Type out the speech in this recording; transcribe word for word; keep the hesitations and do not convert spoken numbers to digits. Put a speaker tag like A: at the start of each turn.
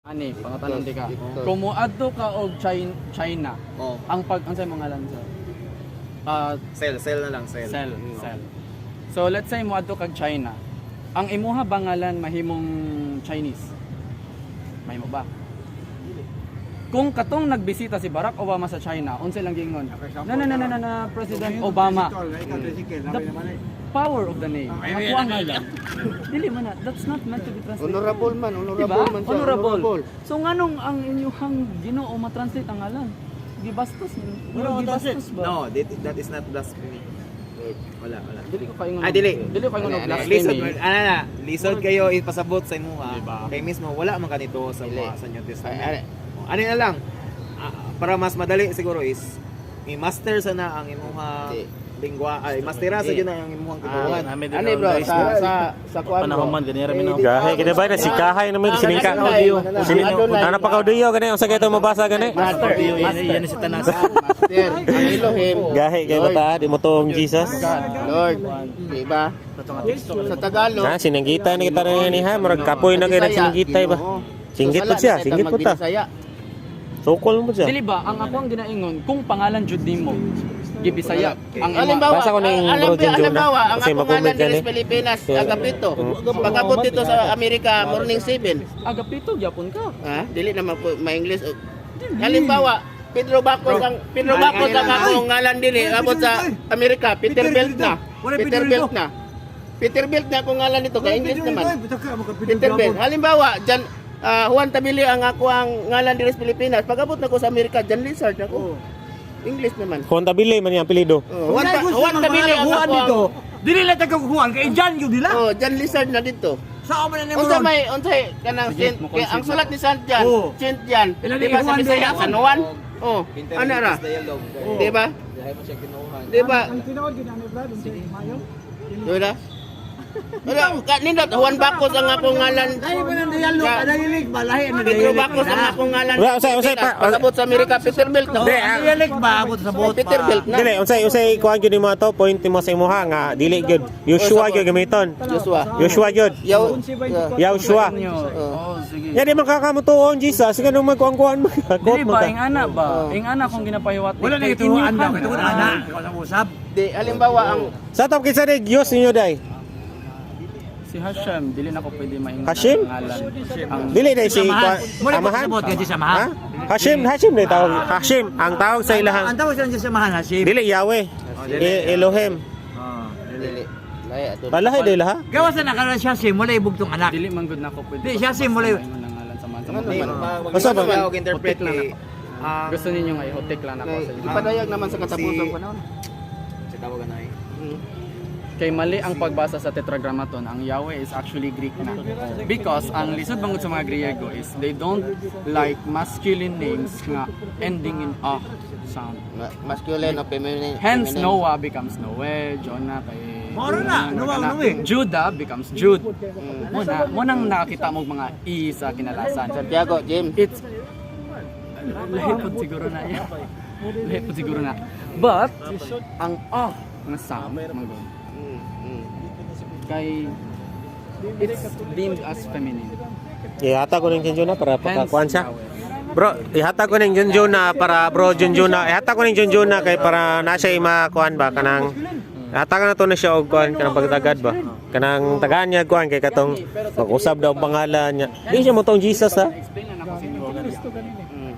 A: Ani, pangatanan di ka.
B: Victor.
A: Kung muadto ka og China, China,
C: Oh,
A: ang pag unsay mo ngalan sa ah
C: sell, sell na lang, sell.
A: cell, cell. So let's say muadto kag China. Ang imuha bangalan mahimong Chinese. Mahimo ba? Kung katong nagbisita si Barack Obama sa China, unsay lang giingon? Na na na na na, na President Obama. The power of the name. Ako ang ngalan. Dili man na, that's not meant to be translated.
B: Honorable man, honorable
A: Diba?
B: man siya.
A: Honorable. So nganong ang inyuhang Ginoo ma-translate ang ngalan? Gibastos ni. Wala gibastos ba?
C: No, that, that is not blasphemy. Wala, wala.
A: Dili ko kayo
C: Ah, dili.
A: Dili ko kayo
B: Ano,
A: ng
C: Lisod,
A: blasphemy.
C: ano na, lisod kayo ipasabot sa imuha.
A: Diba?
C: Kay mismo, wala man kanito sa
B: Dili.
C: mga sa New
B: Ay,
C: Testament.
B: ay,
C: Ano na lang, ah, para mas madali siguro is, i-master sana ang imuha
B: Di.
C: lingwa, ay, mastera sa
B: Di.
C: yun ang imuhang
B: Ah,
C: tinuhan.
B: ano bro, sa sa sa kuan bro.
D: Panahon man ganira mi no.
E: Gahe kita ba na si kahay naman siningka. Sini ana pa ka diyo gani unsa kay to mabasa gani?
B: Master,
D: Yan si tanas.
B: Master, ang Elohim.
E: Gahe kay bata di mo tong Jesus.
B: Lord, diba? Sa Tagalog.
E: Na sinanggita ni kita rin ni ha murag kapoy na kay sinanggita ba. Singgit po siya, singgit po ta. Sokol mo siya.
A: Dili ba ang ako ang ginaingon kung pangalan jud nimo gibisaya ang imo.
B: Halimbawa,
E: Basa ko na yung
B: alam
E: bro
B: ba,
E: Jun Jun,
B: halimbawa,
E: ah.
B: ang
E: Kasi
B: akong
E: mag-comment
B: ngalan
E: yan,
B: diri
E: eh.
B: sa Pilipinas,
E: So,
B: Agapito. Pagabot dito sa Amerika, morning seven.
A: Agapito gyapon ka.
B: Ha? Dili naman po ma-English. Halimbawa, Pedro Bacos ang Pedro Bacos ang akong ngalan dili abot sa Amerika, Peter Belt na. Peter Belt na. Peter Belt na akong ngalan dito kay English naman. Peter Belt. Halimbawa, Jan ah, Juan Tabili ang ako ang ngalan diri sa Pilipinas. Pagabot na ko sa Amerika, Jan Lizard ako. English naman.
E: Kontabile man yang apelyido.
B: Oh, Juan, Ta- Juan Tabili ang ako ang
D: Dili lang taga kuhan kay Jan gyud dila.
B: Oh, Jan Lizard na dito.
D: Sa man na
B: Unsa may unsay kanang
A: Sige,
B: Saint
A: mo
B: kay ang
A: concede
B: sulat ni Saint Jan,
D: Oh.
B: Saint Jan.
D: Ilan
B: Di
D: ni
B: ba sa
D: Juan
B: Bisaya
D: doon?
B: San Juan? Oh, ano ra? Di ba? Di ba? Di ba? Wala, kanindot Juan Bacos ang akong ngalan.
D: Ay man ang dialog, adayilig ba lahi na
B: Pedro Bacos ang akong ngalan.
E: Wala, unsay- unsay pa-
B: Pasabot sa Amerika, Peter Belt na.
E: Di, ah.
D: Dialog ba abot sa bot
B: Peter Belt na.
E: Dili unsay unsay kuan gyud mo to point mo sa imuha nga dili gyud. Joshua gyud gamiton.
B: Joshua.
E: Joshua gyud.
B: Yaw.
E: Joshua.
A: Oh, sige.
E: Ya di makakamutuon Jesus nga nung magkuan-kuan mo.
A: Dili ba ing ana ba? Ing ana kung ginapahiwat.
D: Wala na ituan daw, ito ana, ikaw sa usab.
B: Di halimbawa ang
E: Sa top kinsa ni Dios ninyo day?
A: Si Hashem, dili na ko pwede maingon
E: Hashim?
A: ang ngalan. Ang
E: Dili day si
D: Samahan. Muna po
E: Amahan.
D: sabot kay
E: Ha?
D: samahan.
E: Hashim, Hashim day tawag. Hashim ang tawag sa
D: Ang
E: ilahang.
D: tawag sa samahan Hashim.
E: Dili Yahweh. E- Elohim.
D: Ah,
B: dili. Laya ato.
E: Balahay day laha.
D: gawas na nakaroon siya sim, wala ibugtong anak.
A: dili man gud na ko pwede.
D: Di, siya si Mulay.
A: maingon ang ngalan sa man sa
B: Ano
A: mga-
B: naman?
E: Basta ba?
C: Mag interpret
A: Hotik lang
C: kay
A: Ah, gusto ninyo nga i-hotek lang ako
B: Kay
A: sa inyo.
B: ipadayag naman sa katapusang panahon.
C: sa tawagan na eh.
B: Hmm.
A: Kay mali ang pagbasa sa Tetragrammaton, ang Yahweh is actually Greek na. Because ang lisod bangod sa mga Griego is they don't like masculine names nga ending in a sound.
B: Ma- Masculine o feminine.
A: Hence
B: feminine.
A: Noah becomes Noe, Jonah kay
D: Moro na, Noah,
A: Kana.
D: Noe.
A: Judah becomes Jude.
B: Hmm.
A: Muna, munang nakita mo mga i sa kinalasan.
B: Santiago, James.
A: It's lahi po siguro na yan. Lahi po siguro na. But ang ah nga sound manggod
B: Hmm. Hmm.
A: kay it's deemed as feminine.
E: Ihata ko ning Junjun na para
A: Hence,
E: pakakuan siya.
A: Yahweh.
E: Bro, ihata ko ning Junjun na para bro Junjun na. Ihata ko ning Junjun na kay para na siya makuan ba kanang ihata ka na to na siya og kuan kanang pagtagad ba. Kanang tagaan niya kuan kay katong mag-usab daw ang pangalan niya. Di siya mo tong Jesus ha.
A: Explain na ako sa inyo.